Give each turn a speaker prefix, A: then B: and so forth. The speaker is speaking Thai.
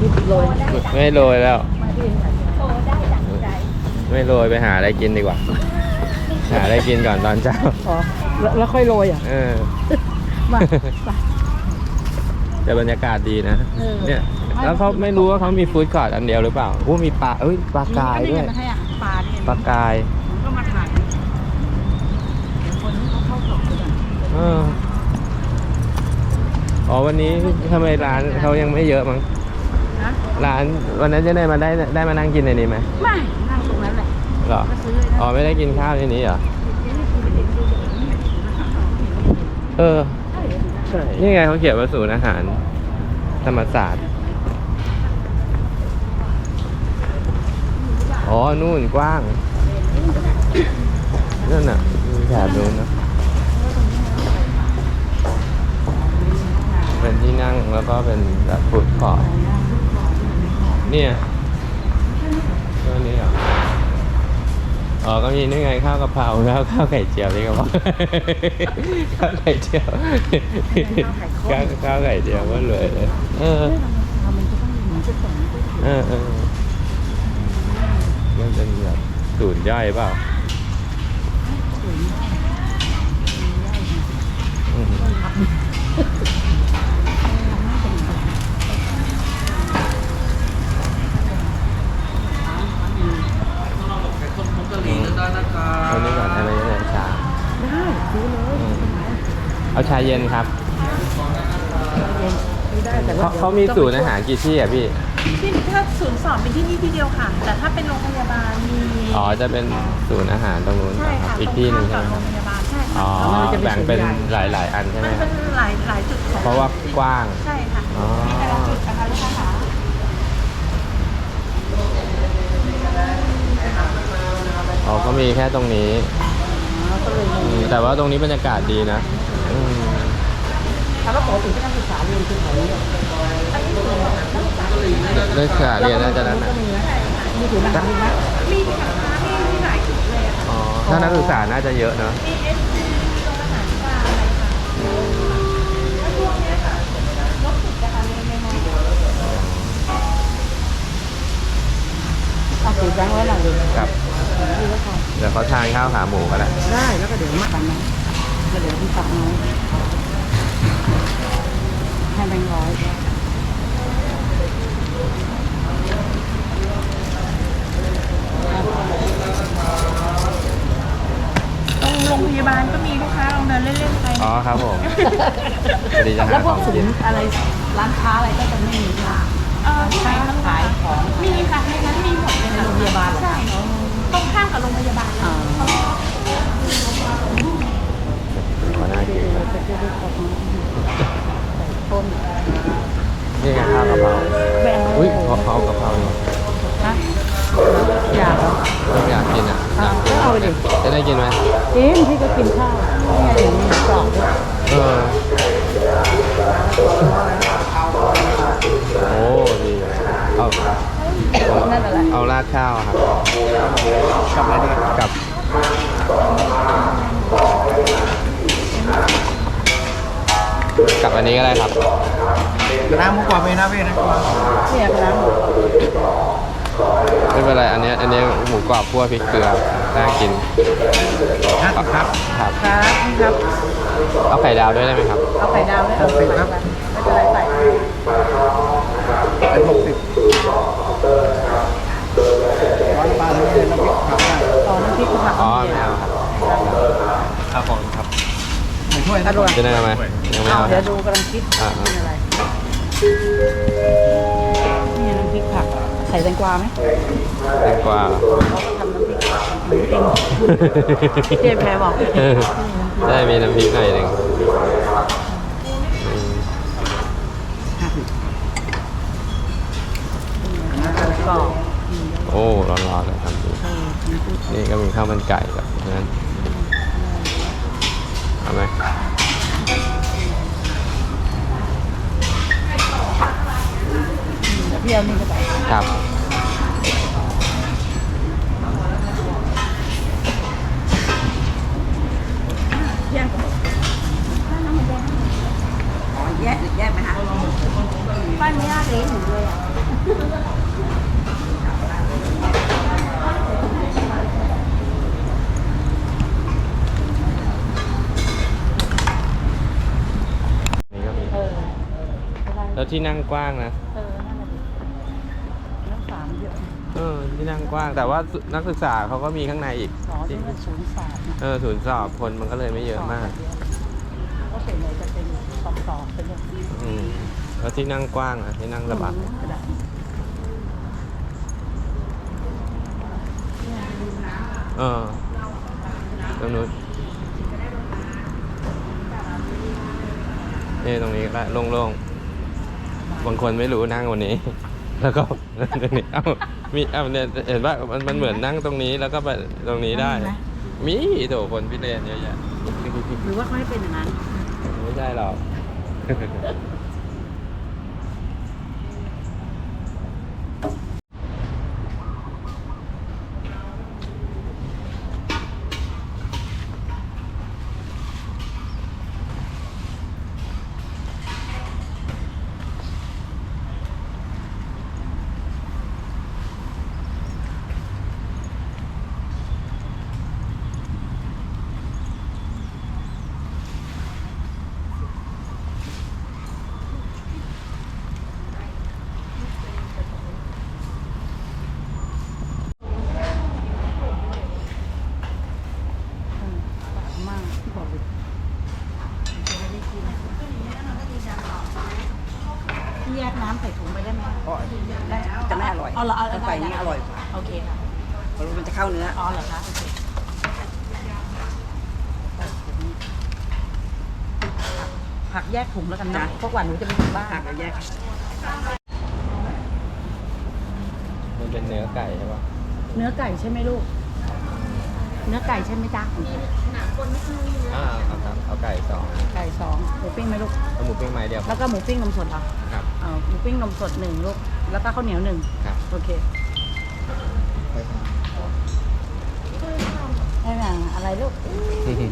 A: โรย
B: ไม่โรยแล้ว
C: โอ้ได้ดังใจ
B: ไม่โรยไปหาอะไรกินดีกว่า หาอะไรกินก่อนตอนเช้า
A: อ๋อแล้วค่อยโรยอ่ะ มา
B: แต่บรรยากาศดีนะ เนี่ยแล้วเขาไม่รู้ว่าเขามีฟู้ดคอร์ทอันเดียวหรือเปล่าโอ้มีปลาปลากายด้วย
A: มาให้อาหารปลาเนี่ย
B: ปลากาย
A: ผมก็มาถ่ายเดี๋ยวคนที่เขาเข้าสอบกัน
B: อ๋อวันนี้ทำไมร้านเขายังไม่เยอะมั้ง
A: นะ
B: ร้านวันนั้นจะได้มานั่งกินในนี้ไหม
A: ไม่นั่งตรงนั้นแหละ
B: หรอ
A: ก็ซื้อเลยนะ
B: อ๋อไม่ได้กินข้าวในนี้เหรอนี่ไงเขาเขียนว่าศูนย์อาหารธรรมศาสตร์อ๋อนู่นกว้างนั่นน่ะแถบนู้นนะเป็นที่นั่งแล้วก็เป็นแบบฟู้ดคอร์ทเนี่ยตัวนี้เหรออ๋อก็มีนี่ไงข้าวกะเพราแล้วข้าวไข่เจียวนี่ก็บอกข้าวไข่เจียวข้าวไข่เจียวก็เลยมันเป็นแบบศูนย์ย่อยเปล่าเอานี้ก่อนอะไรเนี่ยชา
A: ได้ซื้อเลย
B: เอาชาเย็นครับ
A: ซื้อได้แต่ว่า
B: เขามีศูนย์อาหารกี่ที่อ่ะพี่
C: ที่ถ้าศูนย์สอบเป็นที่นี่ที่เดียวค่ะ แต่ถ้าเป็นโรงพยาบาลมี
B: อ๋อจะเป็นศูนย์อาหารตรงนู้น
C: ใช่
B: ครับ
C: ค่ะ
B: อีกที่หนึ่ง
C: ตร
B: ใช่ไหม
C: ข้าม
B: ค
C: กั
B: รั
C: บบ โรงพยาบาลใช่
B: อ๋อ
C: ค่ะ
B: แบ่งเป็นหลายๆอันใช่ไหม
C: มัน
B: ครั
C: เป็
B: บ
C: นหลายจุดของ
B: เพราะว่ากว้าง
C: ใช่ค่ะ
B: อ๋อ
C: มีแต่ละจุดนะคะลูกค้าค่ะ
B: อ๋อก็มีแค่ตรงนี้
A: ก็เลย
B: แต่ว่าตรงนี้บรรยากาศดีนะ
A: ถามว่าปกติที่นักศึกษาเรียนคือแถวนี้
B: นักศึกษาเรียนน่าจะนั้นนะ
A: มีศูนย์อาหารมีไหม
C: มีค่ะมีหลายจุดเลยอะค่ะ
B: อ๋อถ้านักศึกษาน่าจะเยอะเนอะ
C: มีเอสพีโรงอาหารกลางอะไรค่ะแล้วช่วงเนี้ยค่ะรถติดนะคะในมอ
A: เอาสีแบงค์ไว้หน่อยเลย
B: ครับ เดี๋ยวเขาทานข้าวขาหมูกันแหละ
A: ได้แล้วก็เดี๋ยวมาตังน้องแล้วเดี๋ยวพี่ตักน้องให้แบงค์ร้อย
C: ตรงโรงพยาบาลก็มีลูกค้าลองเดินเล่นๆไป
B: อ๋อครับผมพอดีจะหา
A: แล้วพ
B: ข
A: ว
B: อก ง
A: ศู
B: กิน
A: นย์อะไรร้านค้าอะไรก็จะไม่มีค่ะ
C: ที่ไหนคะ
A: ขายของ
C: มีค่ะในนั้นมีหมดเลยค่ะ
A: โรงพยาบาลเหรอ
C: ใช่ตรงข้ามกับโรงพยาบาลเลย
B: ขอหน้ากิน
A: จะเจอได้ของต้น
B: นี่ไงข้าวกะเพรา
A: แบงค์
B: อุ้ยขอข้าวกะเพราหน่อย
A: ฮะอยากเหรอ
B: อยากกินอ่ะอยากกิน
A: เอาไปดิ
B: จะได้กินไหม
A: กินพี่ก็กินข้าวนี่ไงถึงมีกล่องด้วย
B: เออโอ้ดีเลยเอา
A: นั่นอะไร
B: เอาราดข้าวอะครับกับอะไรดีกับอันนี้ก็ได้ครับ
D: น้ำมุกกว่าไปนะพี่นะ
A: เนี่ยครับ
B: ไม่เป็นไรอันนี้หมูกรอบคั่วพริกเกลือน่ากิน
D: 50ครับ
B: ครับ
A: ครับนี่ครับ
B: เอาไข่ดาวด้วยได้ไหมครับ
A: เอาไข่ดาวด้วยเอา
D: 60ครับ
A: ไม่เป็นไรใส่
D: เป็น60ร้อนปลาเลยน้ำพริกผักได้
A: ต่อน้ำพริกผัก
B: อ๋อไม่เอาครับครับผมครับ
D: หนึ่งถ้วย
A: อร่อย
B: จะได้ไหมยังไม่
A: เอา
B: เอา
A: เดี๋ยวดูกำลังคิด
B: อ่า
A: กินอะไรนี่น้ำพริกผักใส่แตงกวาไหม
B: แตงกวา
A: เขาก็ทำน้ำพริกผักหมูเองเจ๊แพรบอก
B: ได้มีน้ำพริกหน่อยหนึ่ง
A: กรอบ
B: โอ้ร้อนๆเลยครับนี่ก็มีข้าวมันไก่กับนั้นเอาไหม
A: เที่ยวนี่ก็ไป
B: ครับ
A: แยกแยกไหมคะ
C: บ้านไม่ยากเลยหนูเลยอ่ะ
B: ที่นั่งกว้างนะ
C: นั่นแหละดินักศึกษาเยอะ
B: ที่นั่งกว้าง แต่ว่านักศึกษาเขาก็มีข้างในอีก
C: สอนที่มันศูนย์สอบนะ
B: ศูนย์สอบคนมันก็เลยไม่เยอะมาก
C: ก็เป็นเลยจะเป็นสอบเป็นอย่างนี้
B: แล้วที่นั่งกว้างที่นั่งสบาย
C: กระดาษ
B: ตรงนู้นนี่ตรงนี้ก็ได้โล่งๆบางคนไม่รู้นั่งวันนี้ แล้วก็ตรงนี้เนี่ยเห็นว่ามันเหมือนนั่งตรงนี้แล้วก็ไปตรงนี้ได้ มีโถคนพิเรนเยอะแยะ
C: หรือว่าเขาให้เป็นอย่างนั้น
B: ไม่ใช่หรอก
C: มากที่บอกเลยแยกน้ำใส่ถุงไปได้ไหม
A: ได้จะไม่อร่อย
C: เอาละเอา
A: ถ้าใส่นี้อร่อยกว่า
C: โอเคค่ะ
A: เพราะมันจะเข้าเนื้อ
C: อ๋อเหรอคะโอเคผักแยกถุงแล้วกันนะเพราะกว่าหนูจะไปถึงบ้าน
A: หักแล้วแยก
B: มันเป็นเนื้อไก่ใช่ปะ
C: เนื้อไก่ใช่ไหมลูก เนื้อไก่ใช่ไหมจ๊ะ
B: ครับเอาไก่2
C: ไก่2หมูปิ้งไหมลูก
B: เอาหมูปิ้งไม้เดียว
C: แล้วก็หมูปิ้งนมสดเหรอ
B: ครับ
C: เอาหมูปิ้งนมสด1ลูก แล้วก็ข้าวเหนียว1
B: ครับ
C: โอเคได้ไหมอะไรลูก